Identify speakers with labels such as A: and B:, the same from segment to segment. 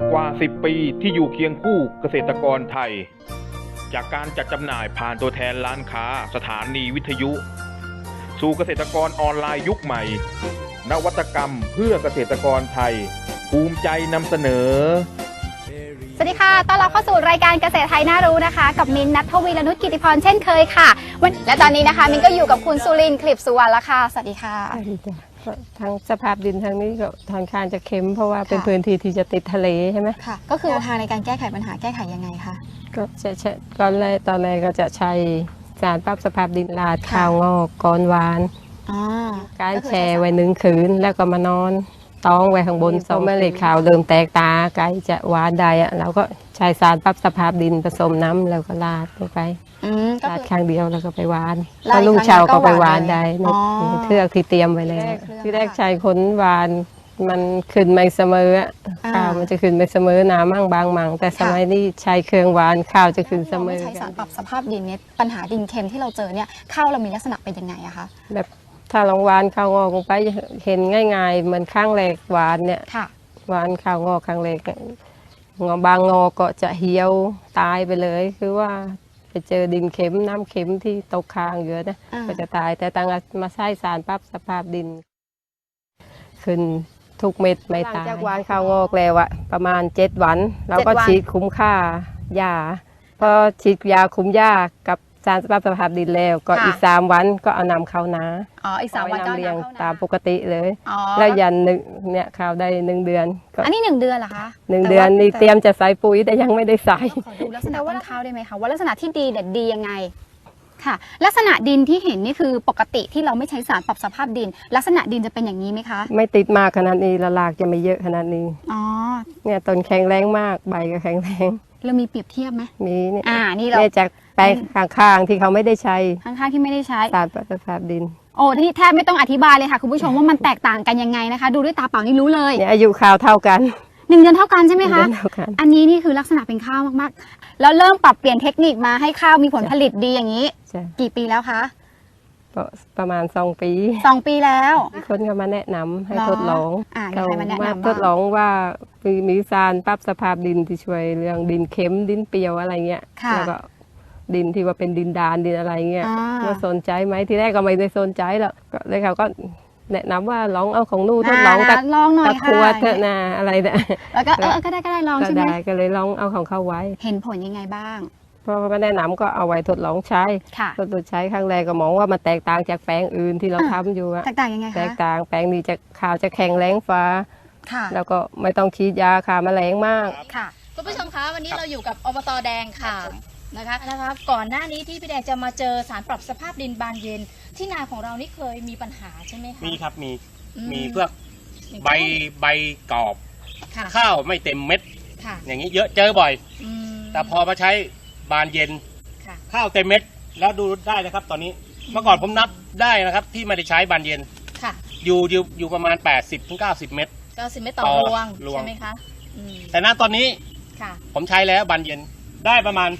A: กว่า 10 ปีที่อยู่เคียงคู่เกษตรกรไทยจากการจัดจำหน่ายผ่านตัวแทนร้านค้าสถานีวิทยุสู่เกษตรกรออนไลน์ยุคใหม่นวัตกรรมเพื่อเกษตรกรไทยภูมิใจนำเสนอ
B: สวัสดีค่ะต้อนรับเข้าสู่รายการเกษตรไทยน่ารู้นะคะกับมิ้นท์ ณัฐวีรนุช กิติพรเช่นเคยค่ะและตอนนี้นะคะมิ้นท์ก็อยู่กับคุณสุรินทร์ คลิปสุวรรณแล้วค่ะสวัสดีค่ะ
C: สวัสดีจ้ะทางสภาพดินทางนี้ก็ทางคานจะเค็มเพราะว่าเป็นพื้นที่ที่จะติดทะเลใช่ไหม
B: ค่ะก็คือทางในการแก้ไขปัญหาแก้ไขยังไงคะ
C: ก็จะใช้ตอนแรกก็จะใช้สารปรับสภาพดินราดข้าวงอกก้อนหวานการแช่ไว้1 คืนแล้วก็มานอนต้องไว้ข้างบนส้มเมล็ดขาวเริ่มแตกตาไก่จะหวานได้อะเราก็ใช้สารปรับสภาพดินผสมน้ำแล้วก็ราดลงไปราดครั้งเดียวแล้วก็ไปหวานพอลุงเช้าก็ไปหวานได้ในเทือกที่เตรียมไว้แล้วที่แรกใช้ขนหวานมันขึ้นไม่เสมอข้าวมันจะขึ้นไม่เสมอหนามั่งบางมั่งแต่สมัยนี้ใช้เครื่องหวานข้าวจะขึ้นเสมอ
B: ใช้สารปรับสภาพดินเนี่ยปัญหาดินเค็มที่เราเจอเนี่ยข้าวเรามีลักษณะเป็นยังไงอะคะ
C: แบบถ้าลองหวานข้าวงอกลงไปเห็นง่ายๆเหมือนข้างแรกหวานเนี่ยหวานข้าวงอกข้างแรกบางงอก็จะเหี่ยวตายไปเลยคือว่าไปเจอดินเค็มน้ำเค็มที่ตกค้างเยอะนะก็จะตายแต่ตั้งมาใช้สารปรับสภาพดินขึ้นทุกเม็ดไม่ตายจากหวานข้าวงอกแล้วอะประมาณ7 วันเราก็ฉีดคุ้มค่ายาพอฉีดยาคุ้มยากับสารปรับสภาพดินแล้วก็อีก3 วันก็เอานำเข้านา
B: อีก3 วันก็
C: เลี้ยงตามปกติเลยแล้วยันเนี่ยข้าวได้1 เดือน
B: อันนี้1 เดือนเหรอคะ
C: 1 เดือนนี่เตรียมจะใส่ปุ๋ยแต่ยังไม่ได้ใส่
B: ขอดูลักษณะต้นข้าวได้ไหมคะว่าลักษณะที่ดีเด็ดดียังไงค่ะลักษณะดินที่เห็นนี่คือปกติที่เราไม่ใช้สารปรับสภาพดินลักษณะดินจะเป็นอย่างนี้ไหมคะ
C: ไม่ติดมากขนาดนี้ละลากจะไม่เยอะขนาดนี้เนี่ยต้นแข็งแรงมากใบก็แข็งแรง
B: เรามีเปรียบเทียบไหม
C: มีเนี่ย
B: นี่เรา
C: จากแปลงข้างๆที่เขาไม่ได้ใช้
B: ข้างๆที่ไม่ได้ใช้
C: สารปรับสภาพดิน
B: โอ้ที่แทบไม่ต้องอธิบายเลยค่ะคุณผู้ชมว่ามันแตกต่างกันยังไงนะคะดูด้วยตาเปล่านี่รู้เลย
C: เนี่ยอายุข้าวเท่ากัน
B: 1 เดือนเท่ากันใช่ไหมคะอันนี้นี่คือลักษณะเป็นข้าวมากๆแล้วเริ่มปรับเปลี่ยนเทคนิคมาให้ข้าวมีผลผลิตดีอย่างนี้กี่ปีแล้วคะ
C: ประมาณ2 ปี
B: แล้ว
C: คนก็มาแนะนำให้ทดลองมาทดลองว่ามีสารปรับสภาพดินที่ช่วยเรื่องดินเค็มดินเปรี้ยวอะไรเงี้ยแล้วก็ดินที่ว่าเป็นดินดานดินอะไรเงี้ยว่าสนใจไหมที่แรกก็ไม่ได้สนใจหรอกเลยเขาก็แนะนำว่าลองเอาของนู่นทดลองตะขวดนะอะไรเนี่ย
B: แล้วก็ก็ได้ลองใช่ไหม
C: ก็เลยลองเอาของเขาไว้
B: เห็นผลยังไงบ้าง
C: พอมาแนะนำก็เอาไว้ทดลองใช้ทดลองใช้ครั้งแรกก็มองว่ามันแตกต่างจากแปลงอื่นที่เราทำอยู่
B: แตกต่างยังไงคะ
C: แตกต่างแปลงนี้จะข้าวจะแข็งแรงฟ้าแล้วก็ไม่ต้องฉีดยาฆ่าแมลงมาก
B: ค่ะคุณผู้ชมคะวันนี้เราอยู่กับอบต.แดงค่ะนะคะก่อนหน้านี้ที่พี่แดงจะมาเจอสารปรับสภาพดินบานเย็นที่นาของเรานี่เคยมีปัญหาใช่ไหมคะ
D: มีครับมีเพื่อใบกรอบข้าวไม่เต็มเม็ดอย่างนี้เยอะเจอบ่อยแต่พอมาใช้บานเย็นข้าวเต็มเม็ดแล้วดูได้นะครับตอนนี้เมื่อก่อนผมนับได้นะครับที่ไม่ได้ใช้บานเย็นอยู่ประมาณ80-90 เม็ด
B: 90 เม็ดต่อรวงใช่ไหมคะ
D: แต่ณตอนนี้ผมใช้แล้วบานเย็นได้ประมาณ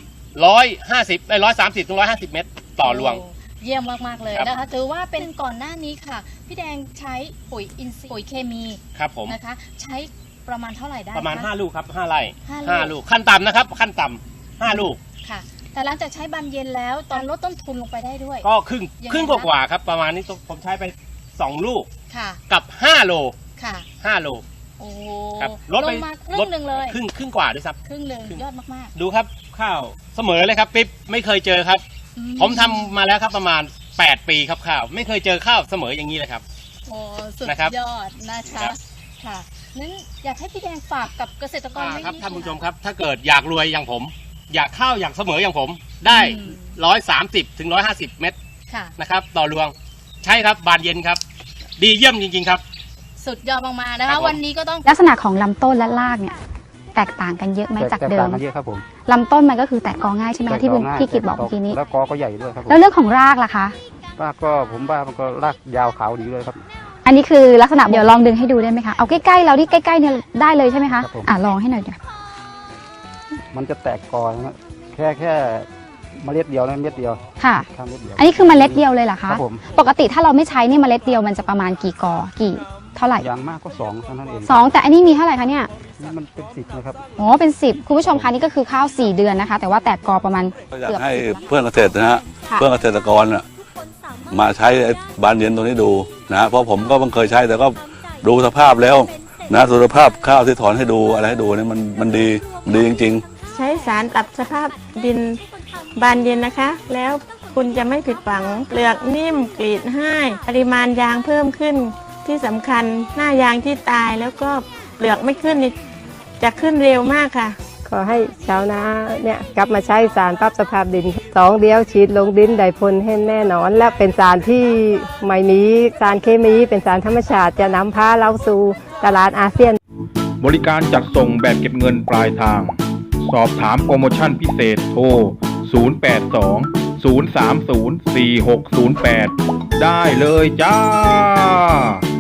D: 130-150 เม็ดต่อรวง
B: เยี่ยมมากๆเลยนะคะถือว่าเป็นก่อนหน้านี้ค่ะพี่แดงใช้ปุ๋ยอินทรีย์ปุ๋ยเคมี
D: ครับผม
B: นะคะใช้ประมาณเท่าไหร่ได้
D: ประมาณ5 ลูกครับ5 ไร่5 ลูกขั้นต่ำนะครับขั้นต่ำ5 ลูก
B: ค่ะแต่หลังจากใช้บานเย็นแล้วตอนลดต้นทุนลงไปได้ด้วย
D: ก็ครึ่งกว่าครับประมาณนี้ผมใช้ไป2 ลูกกับ5 โล5 โล
B: โอ้
D: ลดไป
B: ครึ่งนึงเลย
D: ครึ่งกว่าด้วยซ้ำ
B: ครึ่งนึงยอดมาก
D: ๆดูครับข้าวเสมอเลยครับปิ๊บไม่เคยเจอครับผมทำมาแล้วครับประมาณ8 ปีครับข้าวไม่เคยเจอข้าวเสมออย่างนี้เลยครับ
B: โอ้สุดยอดนะคะค่ะนั้นอยากให้พี่แดงฝากกับเกษตรกร
D: ครับท่านผู้ชมครับถ้าเกิดอยากรวยอย่างผมอยากข้าวอยากเสมออย่างผมได้130-150 เม็ดนะครับต่อรวงใช่ครับบานเย็นครับดีเยี่ยมจริงๆครับ
B: สุดยอดมากๆนะคะวันนี้ก็ต้องลักษณะของลำต้นและรากเนี่ยแตกต่างกันเยอะไหมจากเดิม
E: เยอะครับผม
B: ลำต้นมันก็คือแตกกอง่ายใช่ไหมที่พี่กิตบอกเมื่อกี้นี้
E: แล้วกอก็ใหญ่ด้วยครับ
B: แล้วเรื่องของรากล่ะคะ
E: รากก็ผมว่ามันก็รากยาวขาวดีเลยครับ
B: อันนี้คือลักษณะเดี๋ยวลองดึงให้ดูได้ไหมคะเอาใกล้ๆเราที่ใกล้ๆเนี่ยได้เลยใช่ไหมคะลองให้หน่อยเดี๋ยว
E: มันจะแตกกอนะแค่เมล็ดเดียวนะเม็ดเดียว
B: ค่ะอันนี้คือเมล็ดเดียวเลยเหรอคะปกติถ้าเราไม่ใช้นี่เมล็ดเดียวมันจะประมาณกี่กอกี่เท่าไหร่
E: อย่างมากก็2เท่านั้นเอง
B: 2แต่อันนี้มีเท่าไหร่คะเนี่ย
E: นี่มันเป็น10นะครับ
B: อ๋อเป็น10คุณผู้ชมคะนี่ก็คือข้าว4เดือนนะคะ แต่ว่าแตกกอประมาณ
F: ก็อยาก
B: เกือบ
F: ให้
B: 10
F: เพื่อนเกษตรนะฮะ
B: ค่ะ
F: เพื่อนเกษตรกรน่ะมาใช้ไอ้บานเย็นตัวนี้ดูนะเพราะผมก็เพิ่งเคยใช้แต่ก็ดูสภาพแล้วนะสุขภาพข้าวที่ถอนให้ดูอะไรให้ดูเนี่ยมันดีจริงๆ
G: ใช้สารปรับสภาพดินบานเย็นนะคะ แล้วคุณจะไม่ผิดหวังเปลือกนิ่มกรีดให้ปริมาณยางเพิ่มขึ้นที่สำคัญหน้ายางที่ตายแล้วก็เปลือกไม่ขึ้นนี่จะขึ้นเร็วมากค่ะ
C: ขอให้ชาวนาเนี่ยกลับมาใช้สารปรับสภาพดิน2 เดียวฉีดลงดินได้ผลให้แน่นอน และเป็นสารที่ไม่มีสารเคมีเป็นสารธรรมชาติจะนำพาเราสู่ตลาดอาเซียน
A: บริการจัดส่งแบบเก็บเงินปลายทาง สอบถามโปรโมชั่นพิเศษโทร 082 030 4608 ได้เลยจ้า